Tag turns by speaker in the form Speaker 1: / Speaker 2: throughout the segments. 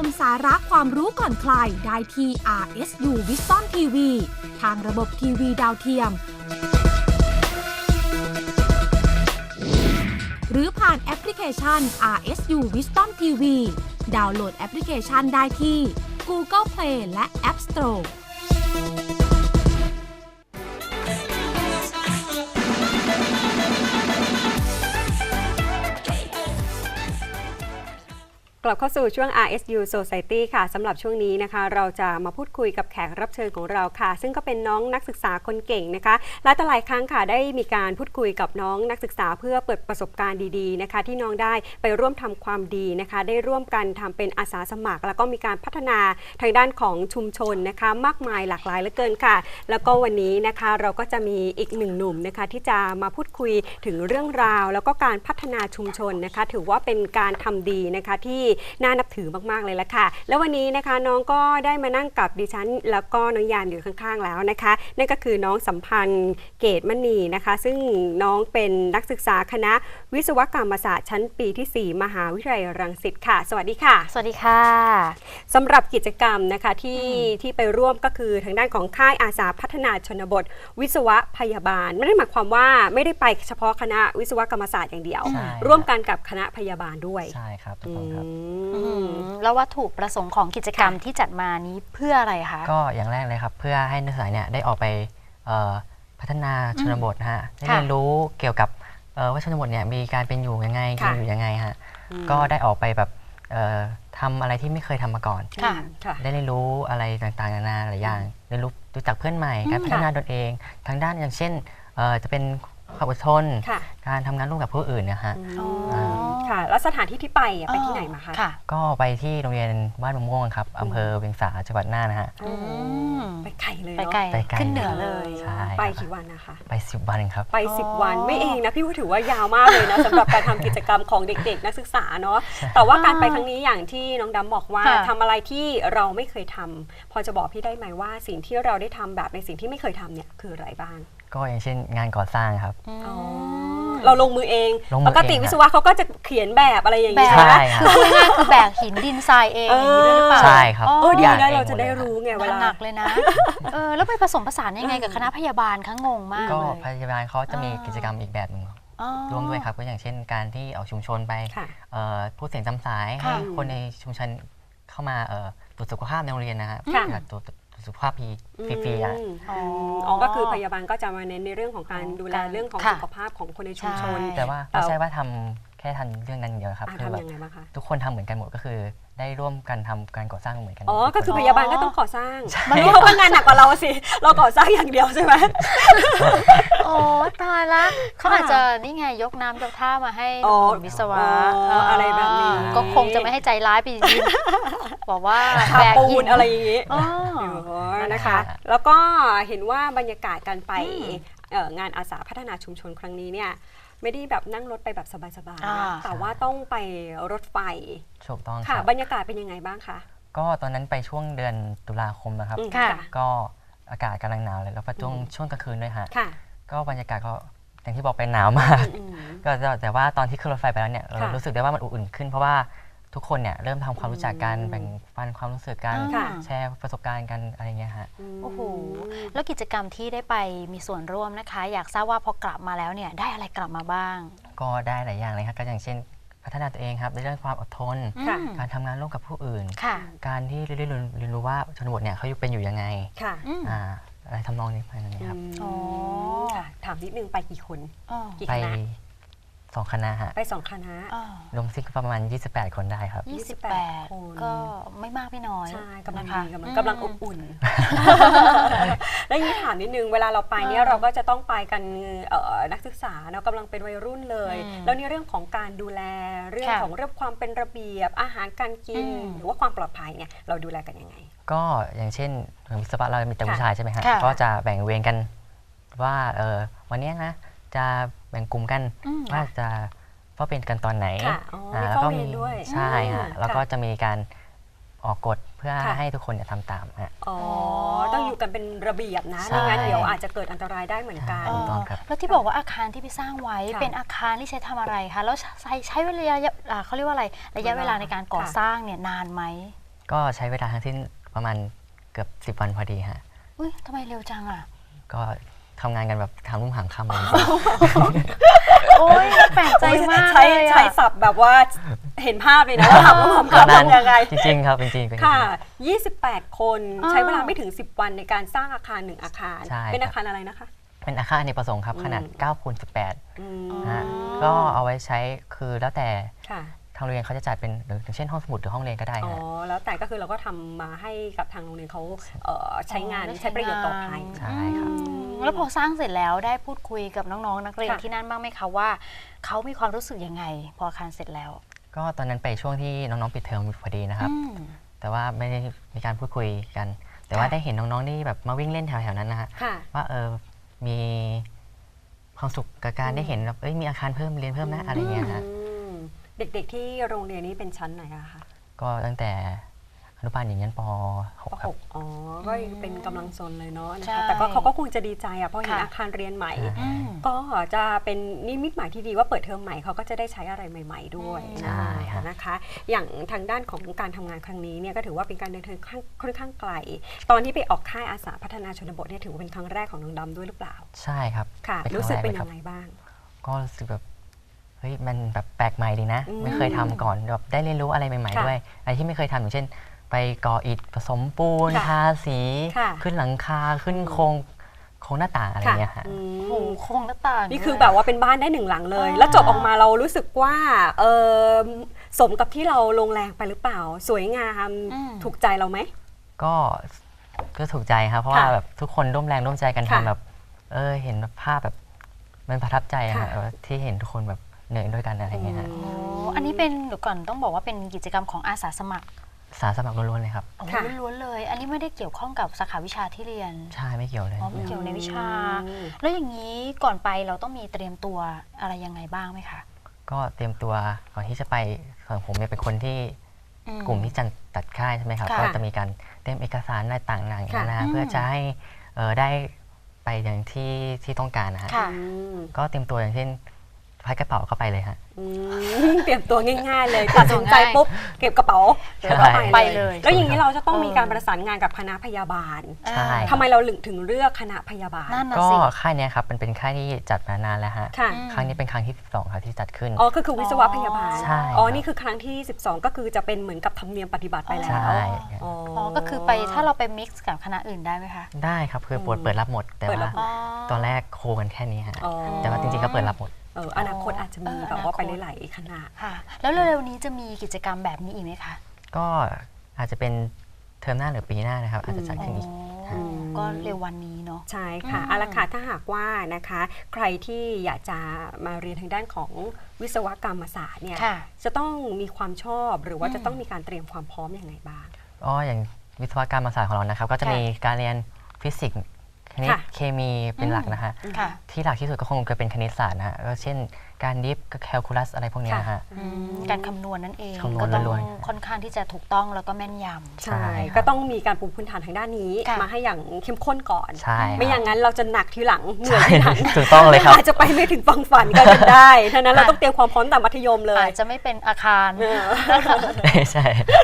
Speaker 1: มสาระความรู้ก่อนใครได้ที่ RSU Wisdom TV ทางระบบทีวีดาวเทียม หรือผ่านแอปพลิเคชัน RSU Wisdom TV ดาวน์โหลดแอปพลิเคชันได้ที่ Google Play และ App Store
Speaker 2: กลับเข้าสู่ช่วง RSU Society ค่ะสำหรับช่วงนี้นะคะเราจะมาพูดคุยกับแขกรับเชิญของเราค่ะซึ่งก็เป็นน้องนักศึกษาคนเก่งนะคะหลายครั้งค่ะได้มีการพูดคุยกับน้องนักศึกษาเพื่อเปิดประสบการณ์ดีๆนะคะที่น้องได้ไปร่วมทำความดีนะคะได้ร่วมกันทำเป็นอาสาสมัครแล้วก็มีการพัฒนาทางด้านของชุมชนนะคะมากมายหลากหลายเหลือเกินค่ะแล้วก็วันนี้นะคะเราก็จะมีอีกหนึ่งหนุ่มนะคะที่จะมาพูดคุยถึงเรื่องราวแล้วก็การพัฒนาชุมชนนะคะถือว่าเป็นการทำดีนะคะที่น่านับถือมากๆเลยละค่ะแล้ววันนี้นะคะน้องก็ได้มานั่งกับดิฉันแล้วก็น้องยามอยู่ข้างๆแล้วนะคะนั่นก็คือน้องสัมพันธ์เกตมณีนะคะซึ่งน้องเป็นนักศึกษาคณะวิศวกรรมศาสตร์ชั้นปีที่ 4 มหาวิทยาลัยรังสิตค่ะสวัสดีค่ะ
Speaker 3: สวัสดีค่ะ
Speaker 2: สำหรับกิจกรรมนะคะที่ไปร่วมก็คือทางด้านของค่ายอาสาพัฒนาชนบทวิศวะพยาบาลไม่ได้หมายความว่าไม่ได้ไปเฉพาะคณะวิศวกรรมศาสตร์อย่างเดียวร่วมกันกับคณะพยาบาลด้วย
Speaker 4: ใช่ครับทุกคนครับ
Speaker 3: แล้ววัตถุประสงค์ของกิจกรรมที่จัดมานี้เพื่ออะไรคะ
Speaker 4: ก็อย่างแรกเลยครับเพื่อให้นักศึกษาเนี่ยได้ออกไปพัฒนาชนบทนะฮะได้เรียนรู้เกี่ยวกับว่าชนบทเนี่ยมีการเป็นอยู่ยังไงกินอยู่ยังไงฮะก็ได้ออกไปแบบทำอะไรที่ไม่เคยทำมาก่อนได้เรียนรู้อะไรต่างๆนานาหลายอย่างเรียนรู้จักเพื่อนใหม่การพัฒนาตนเองทางด้านอย่างเช่นจะเป็นความอดทนการทำงานร่วมกับผู้อื่นนะฮะ
Speaker 2: ค่ะแล้วสถานที่ที่ไปไปที่ไหนมาคะ
Speaker 4: ก็ไปที่โรงเรียนบ้านมะม่วงครับอำเภอเวียงสาจังหวัดน่านนะฮะ
Speaker 2: ไปไกลเลย
Speaker 3: ไปไกลขึ้นเหนือเลย
Speaker 2: ไปกี่วันนะคะ
Speaker 4: ไป10 วันครับ
Speaker 2: ไป10 วันไม่เองนะพี่ว่าถือว่ายาวมากเลยนะสำหรับการทำกิจกรรมของเด็กๆนักศึกษาเนาะแต่ว่าการไปครั้งนี้อย่างที่น้องดำบอกว่าทำอะไรที่เราไม่เคยทำพอจะบอกพี่ได้ไหมว่าสิ่งที่เราได้ทำแบบในสิ่งที่ไม่เคยทำเนี่ยคืออะไรบ้าง
Speaker 4: ก็อย่างเช่นงานก่อสร้างครับ
Speaker 2: เราลงมือเองปกติวิศวะเขาก็จะเขียนแบบอะไรอย่างนี้
Speaker 3: คือง่ายคือแบกหินดินทรายเองหรือเปล่า
Speaker 4: ใช่ครับ
Speaker 2: ดีนะเราจะได้รู้ไงเวลา
Speaker 3: หนักเลยนะแล้วไปผสมผสานยังไงกับคณะพยาบาลคะงงมาก
Speaker 4: ก็พยาบาลเขาจะมีกิจกรรมอีกแบบหนึ่งร่วมด้วยครับก็อย่างเช่นการที่เอาชุมชนไปพูดเสียงจำสายให้คนในชุมชนเข้ามาตรวจสุขภาพในโรงเรียนนะฮะตรวจสุขภาพฟรีๆ
Speaker 2: ก็คือพยาบาลก็จะมาเน้นในเรื่องของการดูแลเรื่องของสุขภาพของคนในชุมชน
Speaker 4: แต่ว่าไม่ใช่ว่าทำแค่ทันเรื่องนั้นเดียวครับ
Speaker 2: คือแบบ
Speaker 4: ทุกคนทำเหมือนกันหมดก็คือได้ร่วมกันทำการก่อสร้างเหมือนกัน
Speaker 2: ก็คือพยาบาลก็ต้องก่อสร้างมันรู้เขางานหนักกว่าเราสิเราก่อสร้างอย่างเดียวใช่ไหม
Speaker 3: โอ้ตายละเขาอาจจะนี่ไงยกน้ำยกท่ามาให้วิศวะ
Speaker 2: อะไรแบบนี้
Speaker 3: ก็คงจะไม่ให้ใจร้ายไปยินบอกว่า
Speaker 2: แบกปูนอะไรอย่างนี้นะคะแล้วก็เห็นว่าบรรยากาศการไปงานอาสาพัฒนาชุมชนครั้งนี้เนี่ยไม่ได้แบบนั่งรถไปแบบสบายๆแต่ว่าต้องไปรถไฟ
Speaker 4: ถูกต้อง
Speaker 2: ค่ะบรรยากาศเป็นยังไงบ้างคะ
Speaker 4: ก็ตอนนั้นไปช่วงเดือนตุลาคมนะครับก็อากาศกำลังหนาวเลยแล้วก็ช่วงกลางคืนด้วยฮะก็บรรยากาศก็อย่างที่บอกไปหนาวมากก็แต่ว่าตอนที่ขึ้นรถไฟไปแล้วเนี่ยเรารู้สึกได้ว่ามันอุ่นขึ้นเพราะว่าทุกคนเนี่ยเริ่มทำความรู้จักกันแบ่งปันความรู้สึกกันแชร์ประสบการณ์กันอะไรเงี้ยฮะ
Speaker 3: โอ้โหแล้วกิจกรรมที่ได้ไปมีส่วนร่วมนะคะอยากทราบว่าพอกลับมาแล้วเนี่ยได้อะไรกลับมาบ้าง
Speaker 4: ก็ได้หลายอย่างเลยครับก็อย่างเช่นพัฒนาตัวเองครับในเรื่องความอดทนการทำงานร่วมกับผู้อื่นการที่เรียนรู้ว่าชนบทเนี่ยเขาเป็นอยู่ยังไงอะไรทำนองนี้ไปนะครับ
Speaker 2: ถามนิดนึงไปกี่คน
Speaker 4: ไป2 คณะฮะ
Speaker 2: ไป2 คณะ
Speaker 4: รวมซิกประมาณ28 คนได้ครับ
Speaker 3: 28 คนก็ไม่มากไม่น้อย
Speaker 2: ใช่กำลังอบอุ่นแล้วนี้ถามนิดนึงเวลาเราไปเนี่ยเราก็จะต้องไปกันนักศึกษาเนาะกำลังเป็นวัยรุ่นเลยแล้วในเรื่องของการดูแลเรื่องของความเป็นระเบียบอาหารการกินหรือว่าความปลอดภัยเนี่ยเราดูแลกันยังไง
Speaker 4: ก็อย่างเช่นวิศวะเรามีแต่ผู้ชายใช่ไหมฮะก็จะแบ่งเวรกันว่าวันนี้นะจะแบ่งกลุ่มกันว่าจะเฝ้าเป็นกันตอนไหน
Speaker 2: แล้วก็มี
Speaker 4: ใช่ฮะแล้วก็จะมีการออกกฎเพื่อให้ทุกคนทำตามฮะ
Speaker 2: ต้องอยู่กันเป็นระเบียบนะไม่งั้นเดี๋ยวอาจจะเกิดอันตรายได้เหมือนกัน
Speaker 3: แล้วที่บอกว่าอาคารที่พี่สร้างไว้เป็นอาคารที่ใช้ทำอะไรคะแล้วใช้เวลาเขาเรียกว่าอะไรระยะเวลาในการก่อสร้างเนี่ยนานไหม
Speaker 4: ก็ใช้เวลาทั้งสิ้นประมาณเกือบ10 วันพอดีฮะ
Speaker 3: อุ้ยทำไมเร็วจังอ่ะ
Speaker 4: ก็ทำงานกันแบบทำรุ่งหางค่ำเลย
Speaker 3: โอ้ยแปลกใจมาก
Speaker 2: ใช้
Speaker 3: เลยอะ
Speaker 2: ใช้ศัพท์แบบว่าเห็นภาพเลยนะว่าทำร่วม
Speaker 4: ตอน
Speaker 2: กัน
Speaker 4: นั้น
Speaker 2: ยังไง
Speaker 4: จริงๆครับจริงๆเป็น
Speaker 2: ค่ะ 28 คน
Speaker 3: อ่า
Speaker 2: ใช้เวลาไม่ถึง 10 วันในการสร้างอาคาร1อาคาร
Speaker 4: ใช่
Speaker 2: เป็น
Speaker 4: ครับ
Speaker 2: อาคารอะไรนะคะ
Speaker 4: เป็นอาคารอเนกประสงค์ครับขนาด
Speaker 2: อืม
Speaker 4: 9x18
Speaker 2: อืม
Speaker 4: นะฮะก็เอาไว้ใช้คือแล้วแต่
Speaker 2: ค่ะ
Speaker 4: ทางโรงเรียนเขาจะจัดเป็นอย่างเช่นห้องสมุดหรือห้องเรียนก็ได้
Speaker 2: อ๋อ
Speaker 4: ฮะ
Speaker 2: แล้วแต่ก็คือเราก็ทำมาให้กับทางโรงเรียนเขาใช้งาน
Speaker 3: ได้ใช้
Speaker 2: ใช้ประโยชน์ต่อไป
Speaker 3: งาน
Speaker 4: ใช่ครับ
Speaker 3: แล้วพอสร้างเสร็จแล้วได้พูดคุยกับน้องๆนักเรียน
Speaker 2: ค่ะ
Speaker 3: ที่นั่นบ้างไหมคะว่าเขามีความรู้สึกยังไง พออาคารเสร็จแล้ว
Speaker 4: ก็ตอนนั้นไปช่วงที่น้องๆปิดเทอมพอดีนะครับ
Speaker 3: อืม
Speaker 4: แต่ว่าไม่ได้มีการพูดคุยกัน แต่ว่า
Speaker 3: ค่ะ
Speaker 4: ได้เห็นน้องๆที่แบบมาวิ่งเล่นแถวๆนั้นนะฮะ
Speaker 2: ค่ะ
Speaker 4: ว่ามีความสุขกับการได้เห็นแบบมีอาคารเพิ่มเรียนเพิ่มนะอะไรเงี้ยฮะ
Speaker 2: อืมเด็กๆที่โรงเรียนนี้เป็นชั้นไหนอะคะ
Speaker 4: ก็ตั้งแต่อนุบาลอย่างยันป
Speaker 2: ป
Speaker 4: .6 ครับ
Speaker 2: .6 อ๋อ ก็ยังเป็นกำลังซนเลยเนาะนะ
Speaker 3: ใช่
Speaker 2: คะแต่ก็เขาก็คงจะดีใจอะเพราะเห็น
Speaker 3: ค่ะ
Speaker 2: อาคารเรียนใหม่
Speaker 3: อืม
Speaker 2: ก็จะเป็นนิมิตหมายที่ดีว่าเปิดเทอมใหม่เขาก็จะได้ใช้อะไรใหม่ ๆ ด้วย
Speaker 4: ใช่ฮะ
Speaker 2: นะคะ อย่างทางด้านของการทำงานครั้งนี้เนี่ยก็ถือว่าเป็นการเดินทางค่อนข้างไกล ตอนที่ไปออกค่ายอาสาพัฒนาชนบทเนี่ยถือว่าเป็นครั้งแรกของน้องดำด้วยหรือเปล่า
Speaker 4: ใช่ครับ
Speaker 2: ค่ะ
Speaker 4: คง
Speaker 2: รู้สึกเป็น
Speaker 4: ล
Speaker 2: ยังไงบ้าง
Speaker 4: ก็รู้สึกแบบเฮ้ยมันแบบแปลกใหม่ดีนะ
Speaker 2: อืม
Speaker 4: ไม่เคยทำก่อนแบบได้เรียนรู้อะไรใหม่
Speaker 2: ค่ะ
Speaker 4: ๆด้วยอะไรที่ไม่เคยทำอย่างเช่น ไปก่ออิฐผสมปูน
Speaker 2: ค่ะ
Speaker 4: ทาสี
Speaker 2: ค่ะ
Speaker 4: ขึ้นหลังคาขึ้นโครงหน้าต่างอะไรเงี้ยฮะ
Speaker 2: อืม
Speaker 3: โอ้โหโครงหน้าต่าง
Speaker 2: นี่คือ
Speaker 3: ด้วย
Speaker 2: แบบว่าเป็นบ้านได้หนึ่งหลังเลย
Speaker 3: อ่า
Speaker 2: แล้วจบออกมาเรารู้สึกว่าสมกับที่เราลงแรงไปหรือเปล่า สวยงามถูกใจเราไหม
Speaker 4: ก็ถูกใจครับเพราะว่า
Speaker 2: ค่ะ
Speaker 4: แบบทุกคนร่วมแรงร่วมใจกัน
Speaker 2: ค่ะ
Speaker 4: ทำแบบเห็นแบบภาพแบบมันประทับใจอะ
Speaker 2: ค่ะ
Speaker 4: ฮะที่เห็นทุกคนแบบเหนื่อยด้วยกันอะไรเงี้ยฮะ
Speaker 3: โอ้อันนี้เป็นเดี๋ยวก่อนต้องบอกว่าเป็นกิจกรรมของอาสาสมัคร
Speaker 4: สาสมัครล้วนๆเลยครับ
Speaker 3: โอ้โห
Speaker 2: ค่ะ
Speaker 3: ล้วนๆเลย อันนี้ไม่ได้เกี่ยวข้องกับสาขาวิชาที่เรียน
Speaker 4: ใช่ไม่เกี่ยวเลย
Speaker 3: อ๋อไม่เกี่ยวในวิชา
Speaker 2: อืม
Speaker 3: แล้วอย่างนี้ก่อนไปเราต้องมีเตรียมตัวอะไรยังไงบ้างไหมคะ
Speaker 4: ก็เตรียมตัวก่อนที่จะไปของผมเนี่ยเป็นคนที่
Speaker 3: อื
Speaker 4: กลุ่มที่จะตัดค่ายใช่ไหมครับ
Speaker 3: ค่ะ
Speaker 4: ก็จะมีการเตรียมเอกสารอะไรต่างๆ
Speaker 2: ค่ะ
Speaker 4: นะฮะ
Speaker 3: อืม
Speaker 4: เพื่อจะให้ได้ไปอย่างที่ต้องการนะฮะ
Speaker 3: ค่ะ
Speaker 2: อืม
Speaker 4: ก็เตรียมตัวอย่างเช่นพายกระเป๋าเข้าไปเลยฮะ
Speaker 2: อืมเตรียมตัวง่ายๆเลยตัดสินใจปุ๊บเก็บกระเป๋าแล้วก็
Speaker 3: ไป
Speaker 2: ไป
Speaker 3: เล
Speaker 2: เลย ย แล้วอย่างนี้เราจะต้องมีการประสานงานกับคณะพยาบาล
Speaker 4: ใช่
Speaker 2: ทำไมเราถึงเลือกคณะพยาบาล
Speaker 3: นั่นน่ะ
Speaker 4: ก็
Speaker 3: สิ
Speaker 4: ค่ายเนี้ยครับมันเป็นค่ายที่จัดมานานแล้วฮะ
Speaker 2: ค่ะ
Speaker 3: อืม
Speaker 4: ครั้งนี้เป็นครั้งที่12ครับที่จัดขึ้น
Speaker 2: อ๋อคือวิศวะพยาบาล
Speaker 4: ใช่
Speaker 2: อ๋อ
Speaker 4: ครับ
Speaker 2: นี่คือครั้งที่ 12 ก็คือจะเป็นเหมือนกับธรรมเนียมปฏิบัติไปแล้ว
Speaker 4: ใช่
Speaker 2: อ๋อ
Speaker 3: อ๋อก็คือไปถ้าเราไปมิกซ์กับคณะอื่นได้ไหมคะ
Speaker 4: ได้ครับคือเปิดรับหมด แต่
Speaker 2: เปิดรั
Speaker 4: ว่า
Speaker 2: บหมด
Speaker 4: ตอนแรกโคกันแค่นี้ฮะ
Speaker 2: อ๋อ
Speaker 4: แต่ว่าจริงๆก็เปิดรับหมด
Speaker 2: อนาคตอาจจะมีแบบว่าไปหลายๆคณะ
Speaker 3: ค่ะ แล้วเร็วๆนี้จะมีกิจกรรมแบบนี้อีกไหมคะ
Speaker 4: ก็อาจจะเป็นเทอมหน้าหรือปีหน้านะครับ อาจจะจัดขึ้นอีก
Speaker 3: อ๋อก็เร็ววันนี้เนาะ
Speaker 2: ใช่ค่ะ
Speaker 3: อืม
Speaker 2: เอาละค่ะถ้าหากว่านะคะใครที่อยากจะมาเรียนทางด้านของวิศวกรรมศาสตร์เนี่ย
Speaker 3: ค่ะ
Speaker 2: จะต้องมีความชอบหรือว่า
Speaker 3: อืม
Speaker 2: จะต้องมีการเตรียมความพร้อมอย่างไรบ้าง
Speaker 4: อย่างวิศวกรรมศาสตร์ของเรานะครับ ก็จะ
Speaker 3: ค่ะ
Speaker 4: มีการเรียนฟิสิกส์คณิต
Speaker 2: ค่ะ
Speaker 4: เคมีเป็นหลักนะฮะ
Speaker 3: ค่ะ
Speaker 4: ที่หลักที่สุดก็คงจะเป็นคณิตศาสตร์นะฮะก็เช่นการดิฟกับแคลคูลัสอะไรพวกเนี้ยนะฮะ
Speaker 3: การคำนวณนั่นเอง
Speaker 4: คำนวณ
Speaker 3: ก็ต้อง
Speaker 4: ล้วน
Speaker 3: ค่อนข้างที่จะถูกต้องแล้วก็แม่นยำ
Speaker 4: ใช่
Speaker 2: ใช่
Speaker 4: ครับ
Speaker 2: ก็ต้องมีการปูพื้นฐานทางด้านนี้
Speaker 3: ค่ะ
Speaker 2: มาให้อย่างเข้มข้นก่อน
Speaker 4: ใช่
Speaker 2: ไม่อย่าง
Speaker 4: ครับ
Speaker 2: นั้นเราจะหนักทีหลังเหนื่อย
Speaker 4: ใช่
Speaker 2: ทีหลัง
Speaker 4: ถูกต้องเลยครับ
Speaker 2: อาจจะไปไม่ถึงฝั่งฝันก็เป็นได้ฉะนั้นเราต้องเตรียมความพร้อมแต่มัธยมเลย
Speaker 3: อาจจะไม่เป็นอาคาร
Speaker 4: ใช่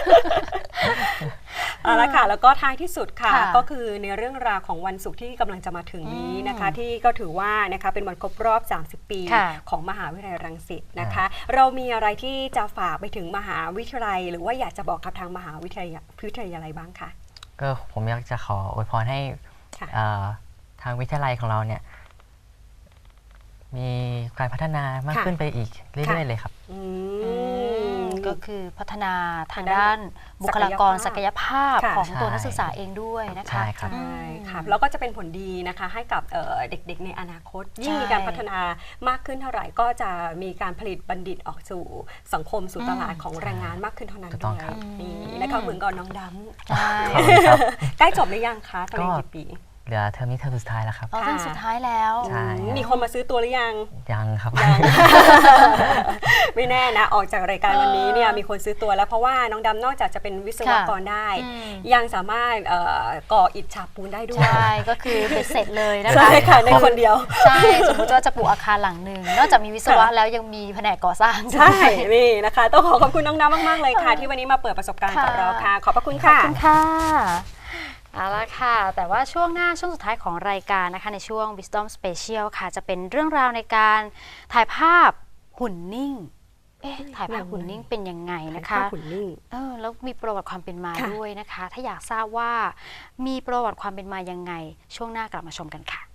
Speaker 2: เอาละค่ะแล้วก็ท้ายที่สุดค่ะ
Speaker 3: ค่ะ
Speaker 2: ก็คือในเรื่องราวของวันศุกร์ที่กำลังจะมาถึงนี้นะคะ ที่ก็ถือว่านะคะเป็นวันครบรอบ 30 ปี
Speaker 3: ค่ะ
Speaker 2: ของมหาวิทยาลัยรังสิตนะคะ เรามีอะไรที่จะฝากไปถึงมหาวิทยาลัย หรือว่าอยากจะบอกกับทางมหาวิทยาลัยบ้างคะ
Speaker 4: ก็ผมอยากจะขออวยพรให้
Speaker 2: ค่ะ
Speaker 4: ทางวิทยาลัยของเราเนี่ยมีการพัฒนามาก
Speaker 2: ค่ะ
Speaker 4: ขึ้นไปอีกเรื่อยๆเลยครับ
Speaker 2: อืม
Speaker 3: ก็คือพัฒนาทางด้านบุคลากรศักยภาพ
Speaker 2: ค่ะ
Speaker 3: ของตัว
Speaker 4: ใช่
Speaker 3: นักศึกษาเองด้วยนะคะ
Speaker 4: ใช่ครับ
Speaker 2: ใช่ค่ะแล้วก็จะเป็นผลดีนะคะให้กับเด็กๆในอนาคต ยิ่งมีการพัฒนามากขึ้นเท่าไหร่ก็จะมีการผลิตบัณฑิตออกสู่สังคมสู่ตลาดของแรงงานมากขึ้นเท่านั้น
Speaker 4: ถูกต้
Speaker 2: ด้
Speaker 4: อง
Speaker 2: วย
Speaker 4: ครับ
Speaker 2: นี่นะคะเหมือนกับน้องด
Speaker 3: ใช่
Speaker 4: ขอบคุณครับ
Speaker 2: ำใกล้จบหรือยังคะตอนนี้กี่ปี
Speaker 4: เหลือเทอมนี้เทอมสุดท้ายแล้วครับ
Speaker 3: อ๋อเทอมสุดท้ายแล้ว
Speaker 4: ใช่
Speaker 2: มีคนมาซื้อตัวหรือยัง
Speaker 4: ยังครับ
Speaker 2: ยัง ไม่ไม่แน่นะออกจากรายการวันนี้เนี่ยมีคนซื้อตัวแล้วเพราะว่าน้องดำนอกจากจะเป็นวิศวกรได้ ยังสามารถก่ออิฐฉาบปูนได้ด้วย
Speaker 3: ใช่ก็คือเป็นเสร็จเลยนะคะ
Speaker 2: ใช่ค่ะในคนเดียว
Speaker 3: ใช่สมมติว่าจะปลูกอาคารหลังหนึ่งนอกจากมีวิศวะแล้วยังมีแผนกก่อสร้าง
Speaker 2: ใช่นี่นะคะต้องขอบคุณน้องน้ำมากๆเลยค่ะที่วันนี้มาเปิดประสบการณ์กับเราค่ะขอบพระคุณ
Speaker 3: ขอบ
Speaker 2: ค่ะ
Speaker 3: คุณค่ะเอาละค่ะ แต่ว่าช่วงหน้าช่วงสุดท้ายของรายการนะคะในช่วง Wisdom Special ค่ะจะเป็นเรื่องราวในการถ่ายภาพหุ่นนิ่งถ่ายภาพหุ่นนิ่งเป็นยังไงนะคะ
Speaker 2: หุ่นนิ่ง
Speaker 3: แล้วมีประวัติความเป็นมา
Speaker 2: ค่ะ
Speaker 3: ด้วยนะคะ ถ้าอยากทราบว่ามีประวัติความเป็นมายังไงช่วงหน้ากลับมาชมกันค่ะ